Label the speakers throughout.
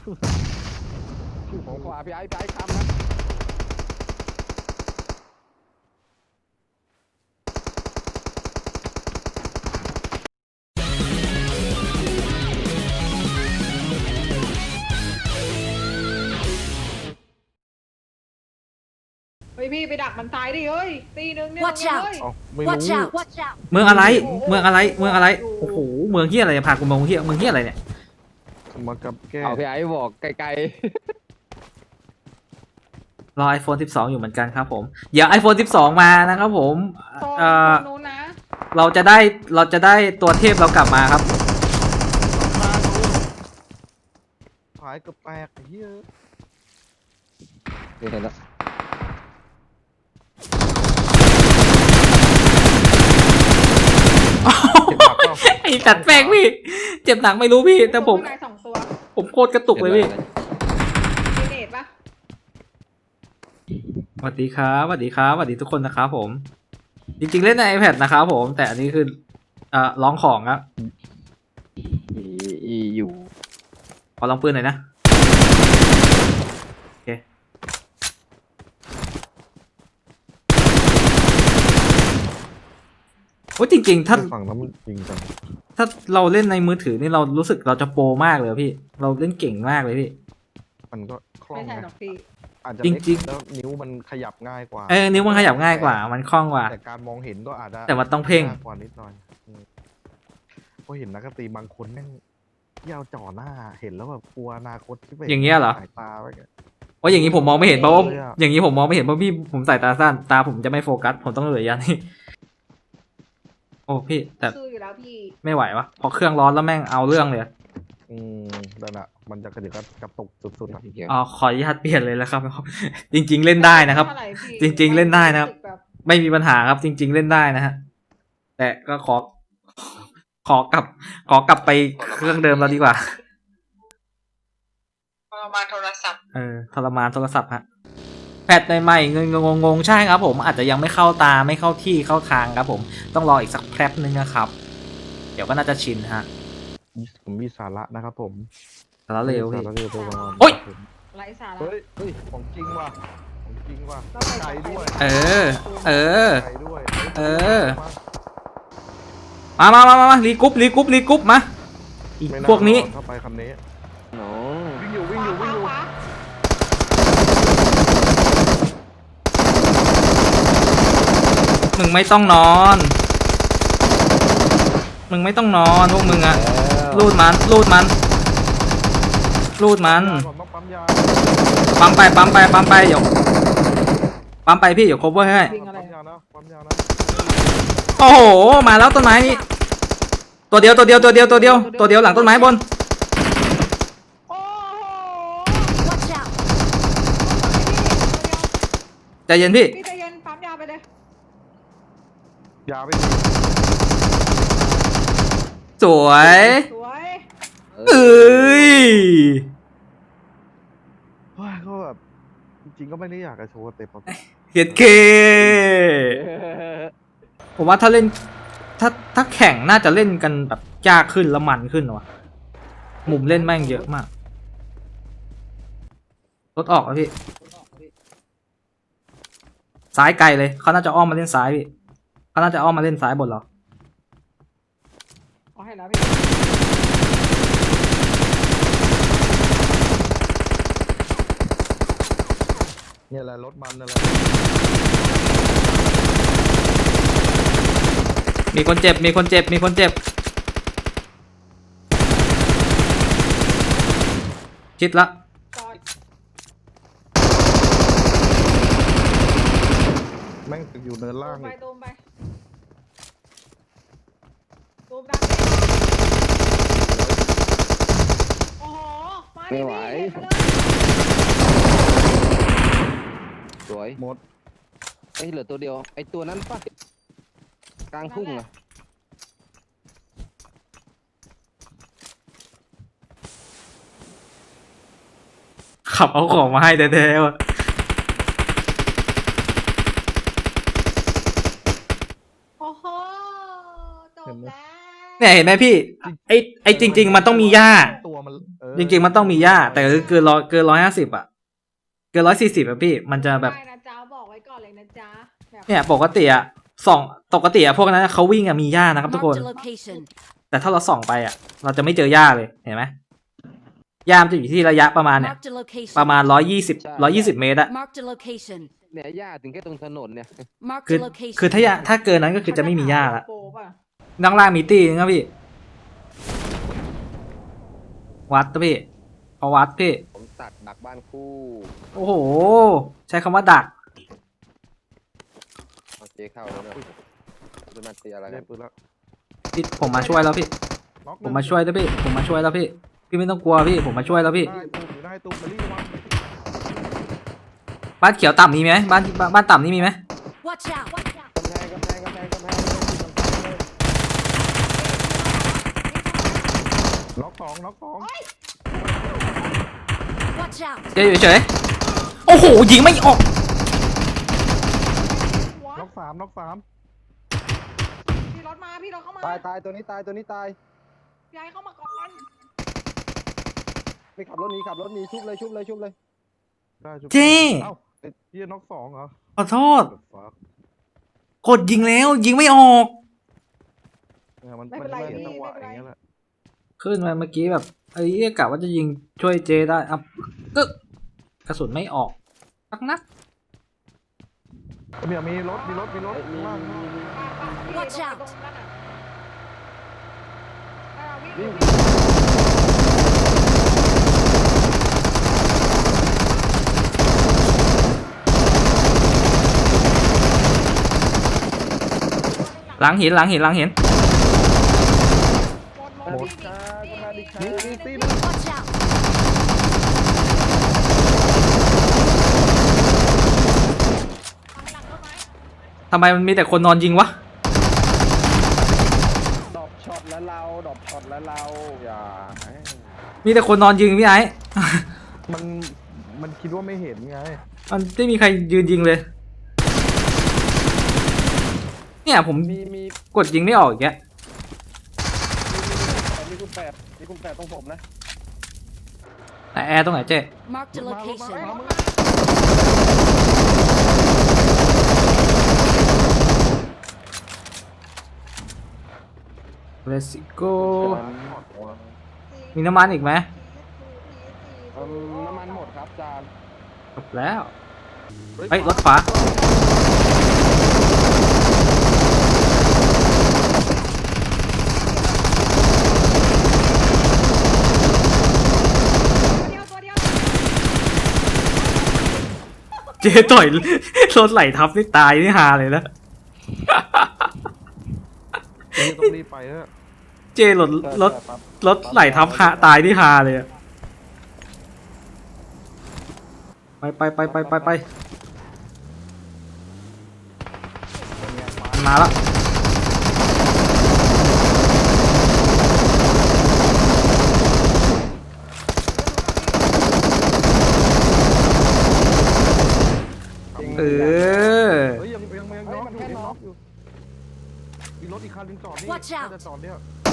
Speaker 1: ของขวาพี่ไอ้คำนะ
Speaker 2: เฮ้ยพี่ไปดักมันตายดิเฮ้ยตีหนึ่งเนี่ย
Speaker 3: Watch out
Speaker 2: เฮ้ย
Speaker 1: เอ้าไม่รู้
Speaker 3: Watch out! Watch out!
Speaker 4: เมืองอะไรเมืองอะไรเมืองอะไรโอ้โหเมืองเฮียอะไรพากูมาเมืองเฮียอะไรเนี่ย
Speaker 1: มากับแก้
Speaker 5: เอาพี่ไอ้บอกไกล
Speaker 4: รอ iPhone 12 อยู่เหมือนกันครับผมเดี๋ยว iPhone 12 มานะครับผม
Speaker 2: โซน
Speaker 4: เอ่อ
Speaker 2: นู้นนะ
Speaker 4: เราจะได้ตัวเทพเรากลับมาครับ
Speaker 1: หายเกือบแตกไอ้เหี้ย
Speaker 5: ๆนี่เห็นแล้ว
Speaker 1: เจ็บหนักเปล่า
Speaker 4: ไอ้ตัดแป้งพี่เจ็บหนักไม่รู้พี่แต่ผม
Speaker 2: ข้างใน2 ตัว
Speaker 4: ผมโคตรกระตุกเลยพี่
Speaker 2: มีเนตปะ
Speaker 4: สวัสดีครับสวัสดีครับสวัสดีทุกคนนะครับผม จริงๆเล่นใน iPad นะครับผมแต่อันนี้คือร้องของครับ
Speaker 5: อีอยู่
Speaker 4: ขอลองปืนหน่อยนะโอเคโอ้ยจริงๆถ้า
Speaker 1: ฝั่งนั้นมันจริงจัง
Speaker 4: ถ้าเราเล่นในมือถือนี่เรารู้สึกเราจะโปรมากเลยพี่เราเล่นเก่งมากเลยพี่
Speaker 1: มันก็คล่อง
Speaker 2: ไม่ใช่
Speaker 1: นะ
Speaker 2: หรอกพี่
Speaker 1: อาจจะ
Speaker 4: จริ
Speaker 1: เล็ก
Speaker 4: งๆ
Speaker 1: แล้วนิ้วมันขยับง่ายกว่า
Speaker 4: นิ้วมันขยับง่ายกว่ามันคล่องกว่า
Speaker 1: แต่การมองเห็นก็อาจจะ
Speaker 4: แต่มันต้องเพ่ง
Speaker 1: ยากกว่านิดหน่อยเพราะเห็นนักดนตรีบางคนแม่งยาวจ่อหน้าเห็นแล้วแบบกลัวอนาคตที่ไป
Speaker 4: อย่างเงี้ยเหรอ
Speaker 1: สายตาไว้กัน
Speaker 4: เพราะอย่างนี้ผมมองไม่เห็นเพราะว่า
Speaker 1: เลยอะ
Speaker 4: อย่างนี้ผมมองไม่เห็นเพราะพี่ผมสายตาสั้นตาผมจะไม่โฟกัสผมต้องเหลือยันนี่โอ้พี่แต่
Speaker 2: สู้อยู่แล้วพี่
Speaker 4: ไม่ไหววะพอเครื่องร้อนแล้วแม่งเอาเรื่องเลย
Speaker 1: นั่นอะมันจะกระตุกสุดๆอะ
Speaker 5: เกี่ยว
Speaker 4: อ๋อขออนุญาตเปลี่ยนเลยแล้วครับ จริง ๆ เล่นได้นะครับ
Speaker 2: เท่าไหพี่
Speaker 4: จริงๆเล่นได้นะครับ
Speaker 2: แบบ
Speaker 4: ไม่มีปัญหาครับจริง ๆ เล่นได้นะฮะแต่ก็ขอกลับไปเครื่องเดิมเราดีกว่า
Speaker 2: ประมาณโทรศัพท์
Speaker 4: ทรมานโทรศัพท์ฮะแพทใหม่ๆเงินงงๆใช่ครับผมอาจจะยังไม่เข้าตาไม่เข้าที่เข้าทางครับผมต้องรออีกสักแป๊บนึงนะครับ เดี๋ยวก็น่าจะชินฮะ
Speaker 1: ผมมีสาระนะครับผม
Speaker 4: แล้วเร็วพี่
Speaker 1: สาระเร็วตัวประมาณ
Speaker 4: โอ๊ย
Speaker 2: ไร้สาระ
Speaker 1: เฮ้ยของจริงว่ะของจริงว่ะ
Speaker 2: เราไป
Speaker 1: ไกลด้วย
Speaker 4: เออ เออ
Speaker 1: ไกลด้วย
Speaker 4: เออ มารีกรุ๊ปมาอีก
Speaker 1: ไม่า
Speaker 4: พวกนี้
Speaker 1: เข้าไปคำนี้
Speaker 5: หนู
Speaker 1: วิ่งอยู่วิ่งอยู่วิ่งอยู่
Speaker 2: ขวา
Speaker 4: มึงไม่ต้องนอนพวกมึงอะรูดมัน
Speaker 1: ก่อนต้องปั๊มยา
Speaker 4: ปั๊มไปเดี๋ยวปั๊มไปพี่เดี๋ยว cover ให้
Speaker 2: วิ่งอะไร
Speaker 1: ปั๊มยานะปั๊มยานะ
Speaker 4: โอ้โหมาแล้วต้นไม้นี่ตัวเดียวหลังต้นไม้บน
Speaker 2: โอ้โห
Speaker 3: Watch out!
Speaker 4: ใจเย็นพี่
Speaker 2: พี่ใจเย็นปั๊มยาไปเลย
Speaker 1: ยาไม่ดี
Speaker 4: สวย
Speaker 2: สวย
Speaker 4: เอ้ย
Speaker 1: เฮ้ยก็แบบจริงๆก็ไม่ได้อยากจะโชว์สเต็ปแบบ
Speaker 4: เฮ็ดเคผมว่าถ้าเล่นถ้าแข่งน่าจะเล่นกันแบบยากขึ้นแล้วมันขึ้นว่ะมุมเล่นแม่งเยอะมากรถออกแล้วพี่ซ้ายไกลเลยเขาน่าจะอ้อมมาเล่นซ้ายพี่เขาน่าจะอ้อมมาเล่นซ้ายบนเรา
Speaker 2: เอาให้แล้วพี่
Speaker 1: เนี่ยแหละรถมันนั่นแหละ
Speaker 4: มีคนเจ็บชิดละ
Speaker 2: จอด
Speaker 1: แม่งอยู่เนินล่าง
Speaker 2: ไป
Speaker 1: อีก
Speaker 2: ตูมไปตูมดังโอ้โหมาดิพี่เห็นไปเลย
Speaker 5: สวย
Speaker 1: หมด
Speaker 5: ไอ้เหลือตัวเดียวไอ้ตัวนั้นปะกลางทุ่งอะ
Speaker 4: ขับเอาของมาให้แท้ๆว่ะ
Speaker 2: โอ้โหจบแล้ว
Speaker 4: เนี่ยเห็นไหมพี่ไอจริง ๆ มันต้องมีหญ้า
Speaker 1: ตัวมัน
Speaker 4: จริงๆมันต้องมีหญ้าแต่คือเกิน150อะเกิน140อะพี่มันจะแบบ
Speaker 2: ได้นะจ๊ะบอกไว้ก่อนเลยนะจ๊ะแบบ
Speaker 4: เนี่ยปกติอะปกติอะพวกนั้นเขาวิ่งอะมีหญ้านะครับทุกคน
Speaker 3: Marked a location.
Speaker 4: แต่ถ้าเราส่องไปอะเราจะไม่เจอหญ้าเลยเห็นไหมหญ้ามันจะอยู่ที่ระยะประมาณเนี่ย
Speaker 3: Marked a location.
Speaker 4: ประมาณ120เมตรอะ
Speaker 3: Marked a location.
Speaker 5: เนี่ยหญ้าถึงแค่ตรงถนนเนี่ย
Speaker 3: Marked
Speaker 4: คือ
Speaker 3: a location.
Speaker 4: คือถ้าเกินนั้นก็คือจะไม่มีหญ้าละ
Speaker 2: โปป่ะ
Speaker 4: ด้านล่างมีตี้นึงครับพี่ วัดนะพี่พอวัดพี่
Speaker 5: ผมตัดดักบ้านคู่
Speaker 4: โอ้โห ใช้คำว่าดัก
Speaker 5: เอาเจเข้าแล้วเนี่ยจะมาตีอะไรกั
Speaker 1: ได้
Speaker 5: น
Speaker 1: ปืนแล้ว
Speaker 4: พี่ผมมาช่วยแล้วพี่
Speaker 1: น็อกห
Speaker 4: ผ
Speaker 1: นึ่
Speaker 4: ม
Speaker 1: ง
Speaker 4: มาช่วยแล้วพี่ ผมมาช่วยแล้วพี่ พี่ไม่ต้องกลัวพี่ ผมมาช่วยแล้วพี่
Speaker 1: ได้ตูมอยู่ได้ตูมมารีบวาง
Speaker 4: บ้านเขียวต่ำมีไหมบ้านต่ำนี่มีไหม
Speaker 3: Watch out. Watch out.
Speaker 5: กำแพง
Speaker 1: น็อกสองน็อกสอง
Speaker 3: Watch out.
Speaker 4: เดี๋ยวเฉยๆโอ้โห ยิงไม่ออก
Speaker 2: หัว
Speaker 1: น็อกสามน็อกสาม
Speaker 2: พี่รถมาพี่รถเข้ามา
Speaker 5: ตายตัวนี้ตายตัวนี้ตาย
Speaker 2: พี่ไอ้เข้ามาก่อน
Speaker 5: ไม่ขับรถหนีชุบเลย
Speaker 1: ได้ชุบ
Speaker 4: เจ๊
Speaker 1: เอ้าไอ้เหี้ยน็อกสองเหรอ
Speaker 4: ขอโทษ
Speaker 1: ฟัก
Speaker 4: กดยิงแล้ว ยิงไม่ออก
Speaker 1: เนี่ยมันเป็นจังหวะอย่างเงี้ยแหละ
Speaker 4: ขึ้นมาเมื่อกี้แบบไอ้เหี้ยกะว่าจะยิงช่วยเจได้อ่ะกึกกระสุนไม่ออกสักนัด
Speaker 1: มีรถข้างล่าง
Speaker 3: Watch out
Speaker 2: วิ่ง
Speaker 4: หลังหิน
Speaker 2: หมด
Speaker 1: นี่
Speaker 2: พี่
Speaker 1: ตีนึง
Speaker 3: Watch out.
Speaker 4: ทำไมมันมีแต่คนนอนยิงวะ
Speaker 5: ดอกช็อตแล้วเราอย่า
Speaker 4: มีแต่คนนอนยิงพี่ไอ้
Speaker 1: มันคิดว่าไม่เห็นไง
Speaker 4: มันไม่มีใครยืนยิงเลย เนี่ยผม
Speaker 5: มี
Speaker 4: กดยิงไม่ออกอีกแก
Speaker 5: มีคุณแปดตรงผมนะ
Speaker 4: แต่แอร์ตรงไหนเจ๊
Speaker 3: Marked a location.
Speaker 4: เลสโกมีน้ำมันอีกไหม
Speaker 5: น้ำมันหมดครับจาน
Speaker 4: จบแล้ว เฮ้ย รถขวา
Speaker 2: ตัวเดียว
Speaker 4: เจ๊ต่อย รถไหลทับนี่ตายนี่ฮาเลยนะ
Speaker 1: นี่ต้องรีบไปแล้ว
Speaker 4: เจ๊รถไหลทับฮาตายนี่ฮาเลยอะไปมาแล้ว เออ
Speaker 1: เฮ้ยยังน็อกอยู่ยังน็อกอยู่มีรถอีกคันหนึงจอดนี่
Speaker 3: Watch out
Speaker 1: น่าจะจอดเนี่ย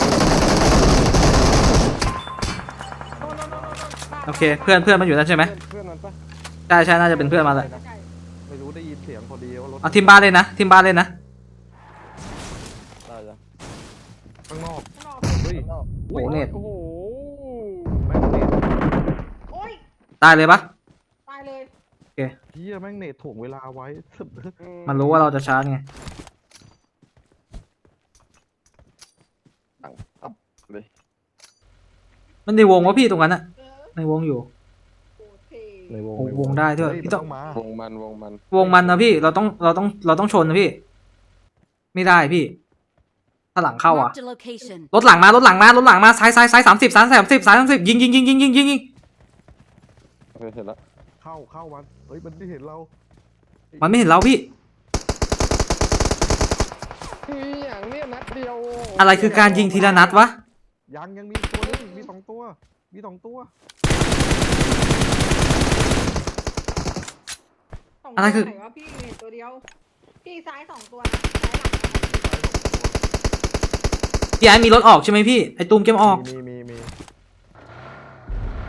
Speaker 4: โอเค เพื่อนมันอยู่นั่นใช่ไหม
Speaker 5: เพื่อนมันปะ
Speaker 4: ใช่น่าจะเป็นเพื่อนมาแหละ
Speaker 1: ไม่รู้ได้ยินเสียงพอดีว่ารถ
Speaker 4: เอาทีมบ้านเลยนะทีมบ้านเลยนะ
Speaker 5: ได้จ้ะ
Speaker 1: ข้างนอก
Speaker 2: ข้างนอก
Speaker 1: เฮ้ย
Speaker 4: โอ้โหเน็ต
Speaker 5: โอ้โห
Speaker 1: แม่งเน็ต
Speaker 2: โอ้ย
Speaker 4: ตายเลยปะ
Speaker 2: ตายเลย
Speaker 1: เฮียแม่งเน็ตถ่วงเวลาไว้
Speaker 4: มันรู้ว่าเราจะชาร์จไง
Speaker 5: อัพเลย
Speaker 4: มันในวงวะพี่ตรงนั้นอะในวงอยู่
Speaker 2: โอเค
Speaker 1: ในวง
Speaker 4: โอ้วงได้ด้วย
Speaker 1: เฮ้
Speaker 4: พี่
Speaker 1: มัน
Speaker 4: ต้
Speaker 1: ต้
Speaker 4: อ
Speaker 1: อง งมาว
Speaker 5: งมัน
Speaker 4: วงมันนะพี่เราต้องชนนะพี่ ไม่ได้พี่ ถ้าหลังเข้าอ่ะ
Speaker 3: Marked a location.
Speaker 4: รถหลังมาซ้าย30ยิง
Speaker 5: เสร็จแล้ว
Speaker 1: เข้ามันเฮ้ยมันไม่เห็นเรา
Speaker 4: มันไม่เห็นเราพี่
Speaker 5: อย่างเนี้ยนัดเดียว
Speaker 4: อะไรคือการยิงทีละนัดวะ
Speaker 1: ยังมีตัวนึงมีสองตัว
Speaker 2: สง
Speaker 4: อะไรคือ
Speaker 2: ตัวหนวะพี่เห็นตัวเดียว พี่ซ้าย2 ตัวนะซ้ายหลัง
Speaker 4: พี่ไอ้มีรถออกใช่ไหมพี่ไอ้ตูมเกมออก
Speaker 1: มี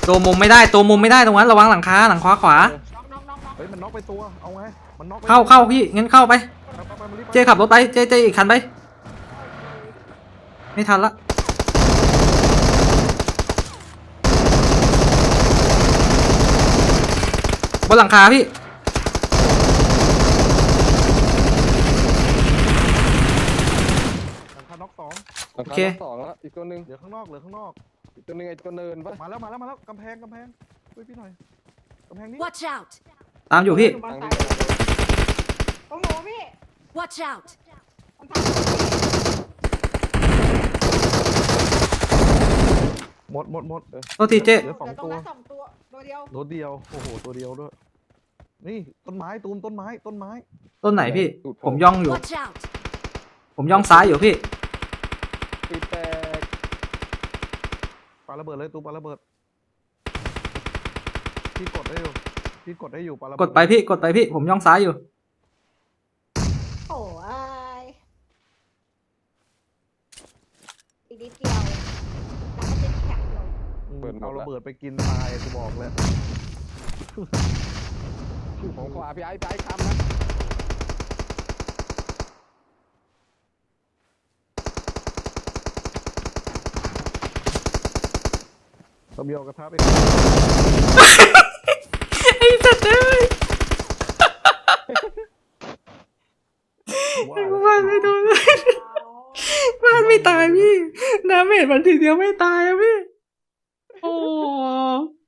Speaker 4: ตัวมุมไม่ได้ตรงนั้นระวังหลังคาหลังขวา
Speaker 2: น็อกน็อกน็อกน็อก
Speaker 1: เฮ้ยมันน็อกไปตัวเอาไงมันน็อกไป
Speaker 4: เข้าพี่งั้นเข้าไป
Speaker 1: ไปมันรีบไป
Speaker 4: เจขับรถไปเจอีกคันไปไม่ทันละบนหลังคาพี่
Speaker 1: หลังคาน็อกสอง
Speaker 5: โอเคสองแล้วอีกตัวหนึ่ง
Speaker 1: เหลือข้างนอกเหลือข้างนอก
Speaker 5: อีกตัวหนึ่งไอ้ตัวเนินปะ
Speaker 1: มาแล้วกำแพงช่วยพี่หน่อยกำแพงนี้
Speaker 3: Watch out!
Speaker 4: ตามอยู่พี่
Speaker 2: บอลซ้ายตรงหนูพี่
Speaker 3: Watch out!
Speaker 2: มันทำ
Speaker 1: หมด
Speaker 4: โทษทีเจ
Speaker 1: เหลือสอง
Speaker 2: แต่ตรง
Speaker 1: ตัว
Speaker 2: นั้น2 ตัวตัวเดียว
Speaker 1: รถเดียวโอ้โหตัวเดียวด้วยนี่ต้นไม้ตูมต้นไม้
Speaker 4: ต้นไหนพี่ ผมย่องอยู่
Speaker 3: Watch out!
Speaker 4: ผมย่องซ้ายอยู่พี่
Speaker 5: ปีแตก
Speaker 1: ปาระเบิดเลยตูมปาระเบิดพี่กดได้อยู่ปาระเบิด
Speaker 4: กดไปพี่ผมย่องซ้ายอยู่
Speaker 2: โอ้ยอีกนิดเดียวแล้วก็จะแข็งลง
Speaker 1: เอาระเบิดไปกินตายกูบอกเลย
Speaker 5: ของขวาพี่ไอ้คำนะ
Speaker 1: ตะเบียวกระทะไป
Speaker 4: ไอ้สัตว์เอ้ย
Speaker 1: ว่า
Speaker 4: บ้านไม่โดนเลยบ้านไม่ตายพี่น้ำเม็ดมันทีเดียวไม่ตายอะพี่ โอ้